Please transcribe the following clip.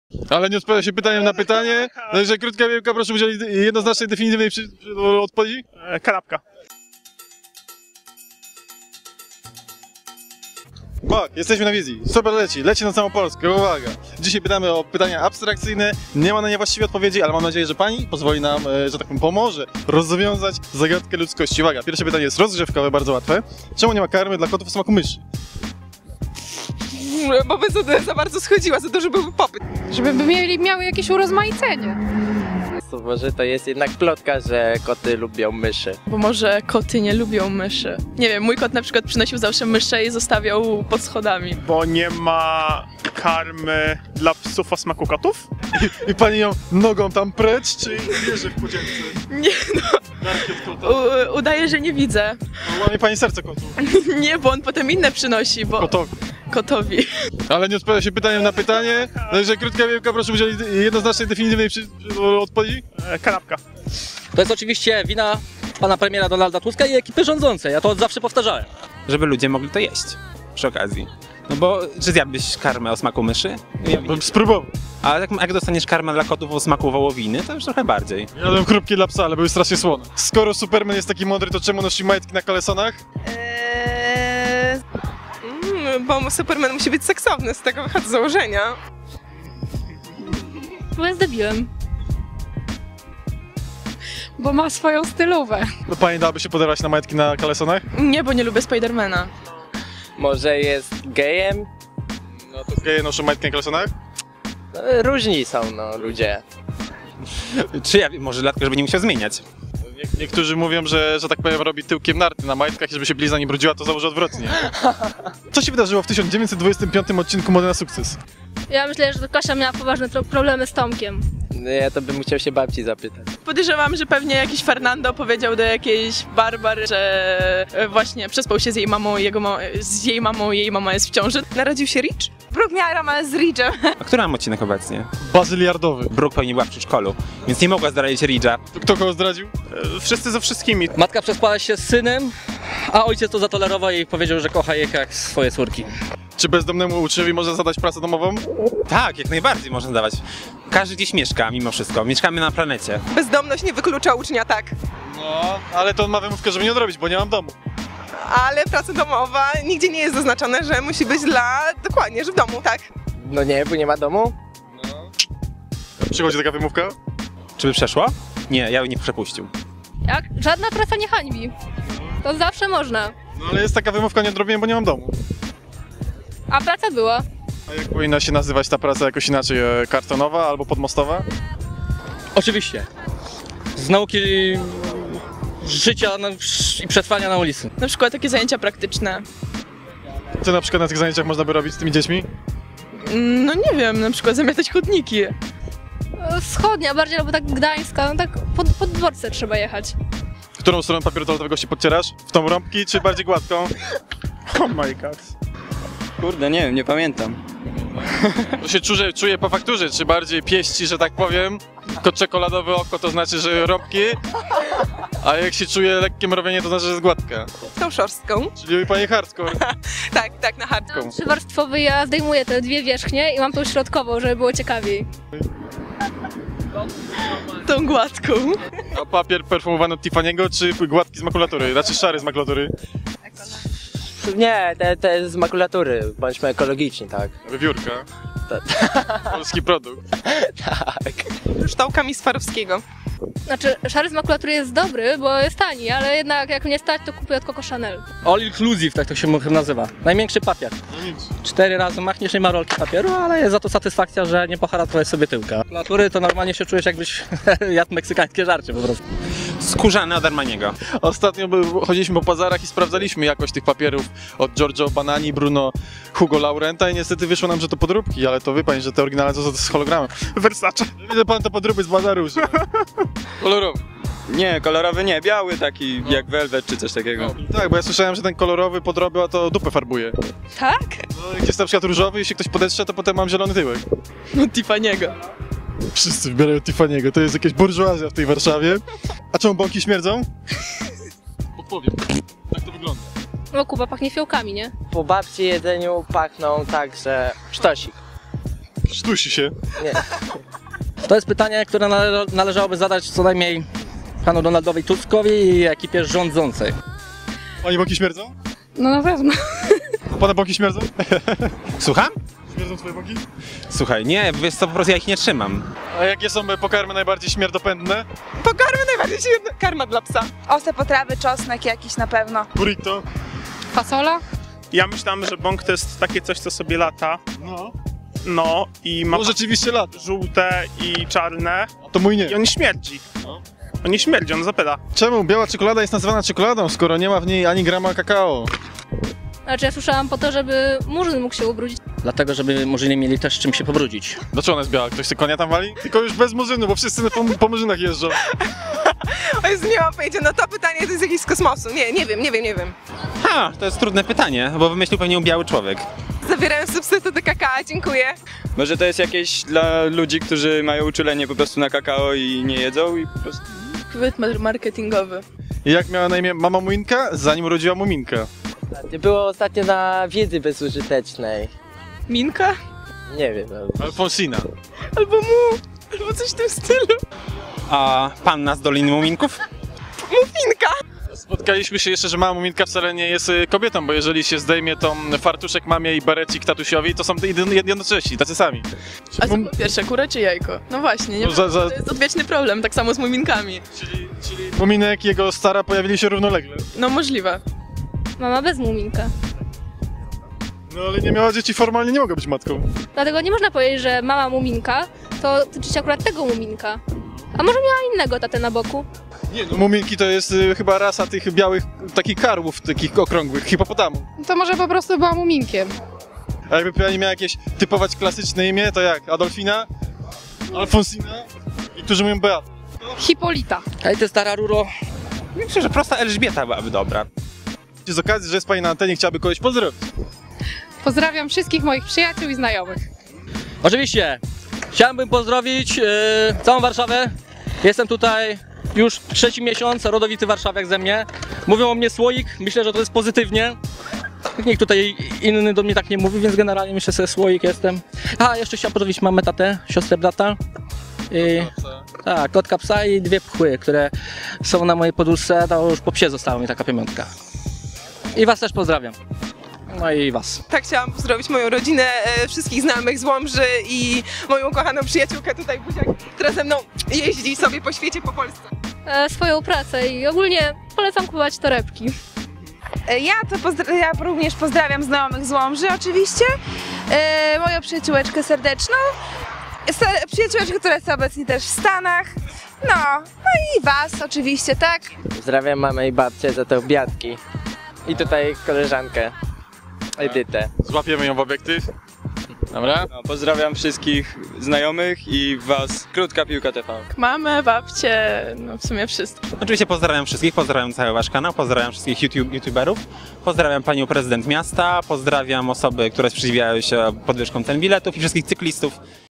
Ale nie odpowiada się pytaniem na pytanie. Także krótka piłka, proszę udzielić jednoznacznej, definitywnej odpowiedzi. Kanapka. Tak, jesteśmy na wizji. Super leci na całą Polskę, uwaga. Dzisiaj pytamy o pytania abstrakcyjne, nie ma na nie właściwej odpowiedzi, ale mam nadzieję, że pani pozwoli nam, że tak powiem, pomoże rozwiązać zagadkę ludzkości. Uwaga, pierwsze pytanie jest rozgrzewkowe, bardzo łatwe. Czemu nie ma karmy dla kotów o smaku myszy? Bo by za bardzo schodziła, za duży byłby popyt. Żeby miały jakieś urozmaicenie. Może to jest jednak plotka, że koty lubią myszy. Bo może koty nie lubią myszy. Nie wiem, mój kot na przykład przynosił zawsze myszę i zostawiał pod schodami. Bo nie ma karmy dla psów o smaku kotów? I pani ją nogą tam precz, czy bierze w podzielce? Nie no, udaje, że nie widzę. Łamie pani serce kotu. Nie, bo on potem inne przynosi, bo... Kotowi. Ale nie odpowiada się pytaniem na pytanie. Także krótka piłka, proszę udzielić jednoznacznej, definitywnej odpowiedzi. Kanapka. To jest oczywiście wina pana premiera Donalda Tuska i ekipy rządzącej, ja to od zawsze powtarzałem. Żeby ludzie mogli to jeść przy okazji. No bo, czy zjadłbyś karmę o smaku myszy? Bym spróbował. A jak dostaniesz karmę dla kotów o smaku wołowiny, to już trochę bardziej. Jadłem chrupki dla psa, ale były strasznie słone. Skoro Superman jest taki mądry, to czemu nosi majtki na kalesonach? Bo Superman musi być seksowny, z tego wychodzę z założenia. Bo jest debilem. Bo ma swoją stylówę. No pani dałaby się poderwać na majtki na kalesonach? Nie, bo nie lubię Spidermana. Może jest gejem? No to geje noszą majtki na kalesonach? No, różni są no ludzie. Czy ja może dlatego, żeby nie musiał zmieniać. Niektórzy mówią, że tak powiem robi tyłkiem narty na majtkach i żeby się blizna nie brudziła, to założy odwrotnie. Co się wydarzyło w 1925 odcinku Mody na sukces? Ja myślę, że Kasia miała poważne problemy z Tomkiem. Ja to bym musiał się babci zapytać. Podejrzewam, że pewnie jakiś Fernando powiedział do jakiejś Barbary, że właśnie przespał się z jej mamą, jej mama jest w ciąży. Narodził się Rich? Brooke miała romans z Richem. A który mam odcinek obecnie? Bazyliardowy. Brooke pewnie była w przedszkolu, więc nie mogła zdradzić Ridge'a. Kto kogo zdradził? Wszyscy ze wszystkimi. Matka przespała się z synem, a ojciec to zatolerował i powiedział, że kocha je jak swoje córki. Czy bezdomnemu uczniowi można zadać pracę domową? Tak, jak najbardziej można dawać. Każdy gdzieś mieszka, mimo wszystko. Mieszkamy na planecie. Bezdomność nie wyklucza ucznia, tak. No, ale to on ma wymówkę, żeby nie odrobić, bo nie mam domu. Ale praca domowa nigdzie nie jest zaznaczone, że musi być dokładnie, że w domu, tak. No nie, bo nie ma domu. Przychodzi taka wymówka? Czy by przeszło? Nie, ja bym nie przepuścił. Jak? Żadna praca nie hańbi. To zawsze można. No ale jest taka wymówka, nie odrobiłem, bo nie mam domu. A praca była. A jak powinna się nazywać ta praca jakoś inaczej? Kartonowa albo podmostowa? Oczywiście. Z nauki życia i przetrwania na ulicy. Na przykład takie zajęcia praktyczne. Co na przykład na tych zajęciach można by robić z tymi dziećmi? No nie wiem, na przykład zamiatać chodniki. Wschodnia bardziej, albo tak gdańska, no tak pod dworce trzeba jechać. Którą stronę papieru toaletowego się podcierasz? W tą rąbki czy bardziej gładką? Oh my god. Kurde, nie wiem, nie pamiętam. To się czuje po fakturze, czy bardziej pieści, że tak powiem. Tylko czekoladowe oko to znaczy, że rąbki, a jak się czuje lekkie mrowienie, to znaczy, że jest gładka. Tą szorstką. Czyli pani hardcore. Tak, na hardką. Trzywarstwowy, ja zdejmuję te dwie wierzchnie i mam tą środkową, żeby było ciekawiej. Tą gładką. A papier perfumowany od Tiffany'ego, czy gładki z makulatury? Raczej szary z makulatury. Nie, te z makulatury. Bądźmy ekologiczni, tak. Wywiórka. Polski produkt. Tak. Ształkami Swarowskiego. Znaczy, szary z makulatury jest dobry, bo jest tani, ale jednak jak nie stać, to kupuję od Coco Chanel. All inclusive, tak to się nazywa. Największy papier. 4 razy machniesz, nie ma rolki papieru, ale jest za to satysfakcja, że nie poharatowałeś sobie tyłka. Makulatury to normalnie się czujesz, jakbyś jadł meksykańskie żarcie po prostu. Skórzany od Armaniego. Ostatnio chodziliśmy po bazarach i sprawdzaliśmy jakość tych papierów od Giorgio Banani, Bruno, Hugo Laurenta i niestety wyszło nam, że to podróbki, ale to wie pani, że te oryginalne to z hologramem. Versace. Widzę pan to podróby z bazaru, że... Kolorowy. Nie, kolorowy nie, biały taki jak Velvet czy coś takiego. Tak, bo ja słyszałem, że ten kolorowy podroby, a to dupę farbuje. Tak? No, jak jest na przykład różowy, jeśli ktoś podetrze, to potem mam zielony tyłek. No Tiffany'ego. Wszyscy wybierają Tiffany'ego, to jest jakaś burżuazja w tej Warszawie. A czemu bąki śmierdzą? Odpowiem. Tak to wygląda. No Kuba pachnie fiołkami, nie? Po babci jedzeniu pachną tak, że sztosik. Sztusi się. Nie. To jest pytanie, które należałoby zadać co najmniej panu Donaldowi Tuskowi i ekipie rządzącej. Pani boki śmierdzą? No na pewno. A pana boki śmierdzą? Słucham? Śmierdzą twoje boki? Słuchaj, nie, wiesz co, po prostu ja ich nie trzymam. A jakie są pokarmy najbardziej śmierdopędne? Pokarmy najbardziej się karma dla psa. Ostre potrawy, czosnek jakiś na pewno. Burrito? Fasola? Ja myślałem, że bąk to jest takie coś, co sobie lata. No. No i ma No rzeczywiście lat. żółte i czarne. A to mój nie. I on śmierdzi. No. On nie śmierdzi, on zapyla. Czemu biała czekolada jest nazywana czekoladą, skoro nie ma w niej ani grama kakao? Znaczy ja słyszałam po to, żeby murzyn mógł się ubrudzić. Dlatego, żeby murzyni mieli też czym się pobrudzić. Dlaczego ona jest biała? Ktoś się konia tam wali? Tylko już bez murzynu, bo wszyscy po murzynach jeżdżą. O Jezu, nie mam pojęcia, no to pytanie to jest jakieś z kosmosu. Nie wiem. Ha, to jest trudne pytanie, bo wymyślił pewnie biały człowiek. Zabieram substytuty kakao, dziękuję. Może to jest jakieś dla ludzi, którzy mają uczulenie po prostu na kakao i nie jedzą i po prostu... Chwyt marketingowy. I jak miała na imię mama Muminka, zanim urodziła Muminka? Było ostatnio na wiedzy bezużytecznej. Minka? Nie wiem. Alfonsina. Albo coś w tym stylu. A panna z Doliny Muminków? Mufinka! Spotkaliśmy się jeszcze, że mama Muminka wcale nie jest kobietą, bo jeżeli się zdejmie tą fartuszek mamie i berecik tatusiowi, to są jednocześni, tacy sami. A co było pierwsze, kura czy jajko? No właśnie, nie No to jest odwieczny problem, tak samo z muminkami. Czyli Muminek i jego stara pojawili się równolegle. No możliwe. Mama bez muminka. No ale nie miała dzieci, formalnie nie mogła być matką. Dlatego nie można powiedzieć, że mama muminka to tyczy się akurat tego muminka. A może miała innego tatę na boku? Nie, no Muminki to jest chyba rasa tych białych, takich karłów, takich okrągłych, hipopotamu. To może po prostu była muminkiem. A jakby pani miała jakieś typować klasyczne imię, to jak? Adolfina? Alfonsina? I którzy mówią Beata. Hipolita. Hej, ty stara ruro. Myślę, że prosta Elżbieta byłaby dobra. Z okazji, że jest pani na antenie, chciałaby kogoś pozdrowić. Pozdrawiam wszystkich moich przyjaciół i znajomych. Oczywiście, chciałbym pozdrowić całą Warszawę. Jestem tutaj już 3. miesiąc, rodowity warszawiak ze mnie. Mówią o mnie słoik, myślę, że to jest pozytywnie. Nikt tutaj inny do mnie tak nie mówi, więc generalnie myślę sobie słoik jestem. A, jeszcze chciałem pozdrowić mamę, tatę, siostrę, brata. I, tak, kotka, psa i 2 pchły, które są na mojej poduszce, to już po psie została mi taka pamiątka. I was też pozdrawiam. No i was. Tak, chciałam pozdrowić moją rodzinę, wszystkich znajomych z Łomży i moją kochaną przyjaciółkę tutaj Buziak, która ze mną jeździ sobie po świecie, po Polsce. Swoją pracę i ogólnie polecam kupować torebki. Ja również pozdrawiam znajomych z Łomży oczywiście, moją przyjaciółeczkę serdeczną, przyjaciółeczkę, która jest obecnie też w Stanach, no i was oczywiście, tak? Pozdrawiam mamę i babcię za te obiadki. I tutaj koleżankę Edytę. Złapiemy ją w obiektyw. Dobra? No, pozdrawiam wszystkich znajomych i was. Krótka Piłka TV. Mamę, babcię, no w sumie wszystkich. Oczywiście pozdrawiam wszystkich, pozdrawiam cały wasz kanał, pozdrawiam wszystkich youtuberów, pozdrawiam panią prezydent miasta, pozdrawiam osoby, które sprzeciwiają się podwyżkom cen biletów i wszystkich cyklistów